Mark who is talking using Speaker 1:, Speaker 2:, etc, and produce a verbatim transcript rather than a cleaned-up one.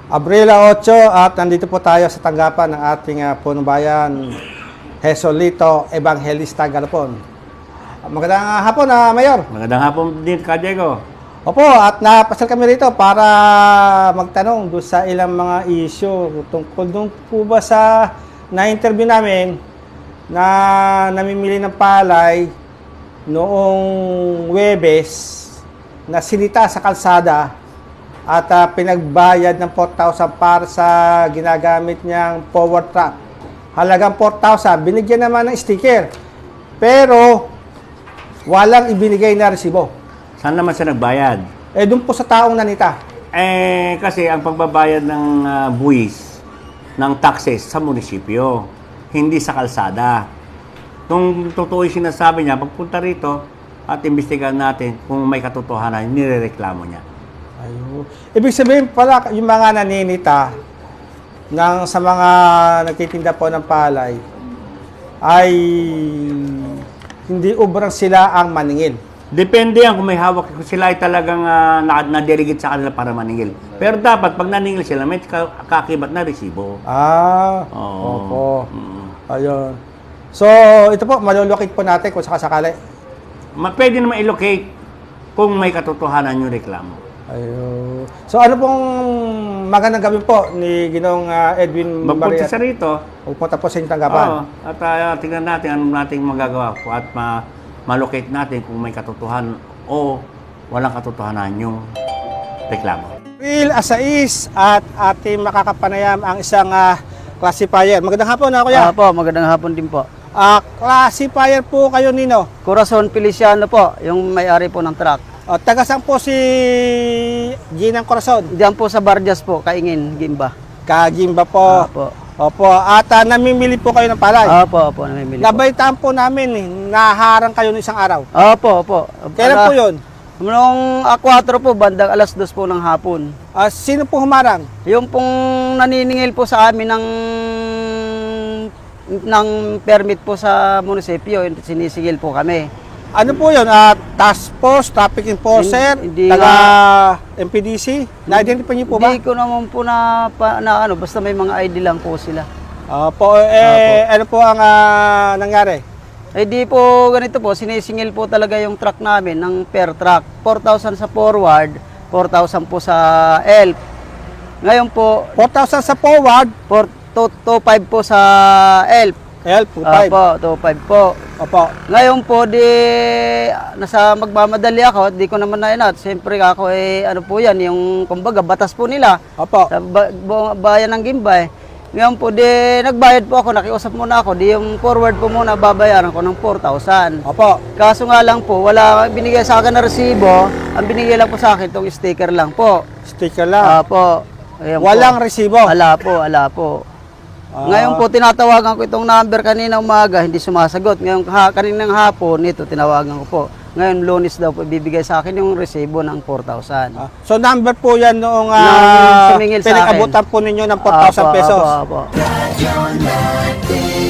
Speaker 1: Abril eight at nandito po tayo sa tanggapan ng ating uh, punong bayan, Jesolito Evangelista Galapon. Magandang uh, hapon, uh, Mayor.
Speaker 2: Magandang hapon din, Ka Diego.
Speaker 1: Opo, at napasal kami rito para magtanong doon sa ilang mga issue tungkol doon po ba sa na-interview namin na namimili ng palay noong Huwebes na sinita sa kalsada at uh, pinagbayad ng four thousand para sa ginagamit niyang forward truck. Halagang four thousand, binigyan naman ng sticker. Pero walang ibinigay na resibo.
Speaker 2: Saan naman siya nagbayad?
Speaker 1: Eh, doon po sa taong nanita.
Speaker 2: Eh, kasi ang pagbabayad ng uh, buwis ng taxes sa munisipyo, hindi sa kalsada. Kung totoo yung sinasabi niya, pagpunta rito at imbestigahan natin kung may katotohanan, nirereklamo niya.
Speaker 1: Ayun. Ibig sabihin pala, yung mga naninita ng, sa mga nagtitinda po ng palay, ay hindi ubrang sila ang maningil.
Speaker 2: Depende yan kung may hawak, kung sila ay talagang uh, nadirigit sa kanila para maningil. Pero dapat, pag naningil sila, may kakibat na resibo.
Speaker 1: Ah,
Speaker 2: Oo.
Speaker 1: opo.
Speaker 2: Mm.
Speaker 1: Ayun. So, ito po, malulukit po natin kung sakasakali.
Speaker 2: Ma- Pwede naman i-locate kung may katotohanan yung reklamo.
Speaker 1: Ayun. So, ano pong magandang gawin po ni Ginong uh, Edwin
Speaker 2: Magpunta
Speaker 1: Barriat?
Speaker 2: sa rito.
Speaker 1: Pupunta po sa inyong tanggapan.
Speaker 2: Oo. At uh, tingnan natin anong nating magagawa po at ma malocate natin kung may katotohanan o walang katotohanan yung reklamo.
Speaker 1: April sais at ating makakapanayam ang isang uh, classifier. Magandang hapon na, kuya.
Speaker 3: Opo, magandang hapon din po.
Speaker 1: Uh, classifier po kayo, Nino.
Speaker 3: Corazon Feliciano po, yung may-ari po ng truck.
Speaker 1: Uh, taga saan po si Ginang Corazon?
Speaker 3: Diyan po sa Barjas po, Kaingin, Gimba.
Speaker 1: Kagimba po.
Speaker 3: Opo.
Speaker 1: Opo. At uh, namimili po kayo ng palay.
Speaker 3: Opo, opo, namimili po.
Speaker 1: Nabaitaan po namin, eh, naharang kayo ng isang araw.
Speaker 3: Opo, opo.
Speaker 1: Kailan po yun?
Speaker 3: Noong A four po, bandang alas dos po ng hapon.
Speaker 1: Uh, sino po humarang?
Speaker 3: Yung pong naniningil po sa amin ng ng permit po sa munisipyo, sinisigil po kami.
Speaker 1: Ano po yun? Uh, task force, traffic enforcer,
Speaker 3: Hindi
Speaker 1: taga
Speaker 3: nga.
Speaker 1: M P D C? Na-identify niyo po ba?
Speaker 3: Hindi ko naman po na, pa, na ano, basta may mga I D lang po sila.
Speaker 1: Opo. Eh, ano po ang uh, nangyari?
Speaker 3: Eh di po ganito po, sinisingil po talaga yung truck namin ng per truck. four thousand sa forward, four thousand po sa E L P. Ngayon po,
Speaker 1: four thousand sa forward,
Speaker 3: two thousand five po sa E L P.
Speaker 1: L, two five.
Speaker 3: Opo, two thousand five po.
Speaker 1: Opo.
Speaker 3: Ngayon po, di, nasa magmamadali ako, di ko naman na inat. Siyempre ako, eh, ano po yan, yung, kumbaga, batas po nila.
Speaker 1: Opo.
Speaker 3: Sa ba, bu- bayan ng Gimbay. Ngayon po, di, nagbayad po ako, nakiusap muna ako, di yung forward po muna, babayaran ko ng four thousand.
Speaker 1: Opo.
Speaker 3: Kaso nga lang po, wala binigay sa akin na resibo, ang binigay lang po sa akin, itong sticker lang po.
Speaker 1: Sticker lang.
Speaker 3: Opo. Ayan po.
Speaker 1: Walang resibo.
Speaker 3: Wala po, wala po.
Speaker 1: Ah.
Speaker 3: Ngayon po, tinatawagan ko itong number kanina umaga, hindi sumasagot. Ngayon, ha, kaninang hapon, ito, tinawagan ko po. Ngayon, Lunes daw po, ibibigay sa akin yung resibo ng four thousand.
Speaker 1: Ah, so number po yan noong uh,
Speaker 3: Nang sumingil sa akin.
Speaker 1: pinag-abutan po ninyo ng four thousand
Speaker 3: Apo,
Speaker 1: pesos.
Speaker 3: Apo, apo.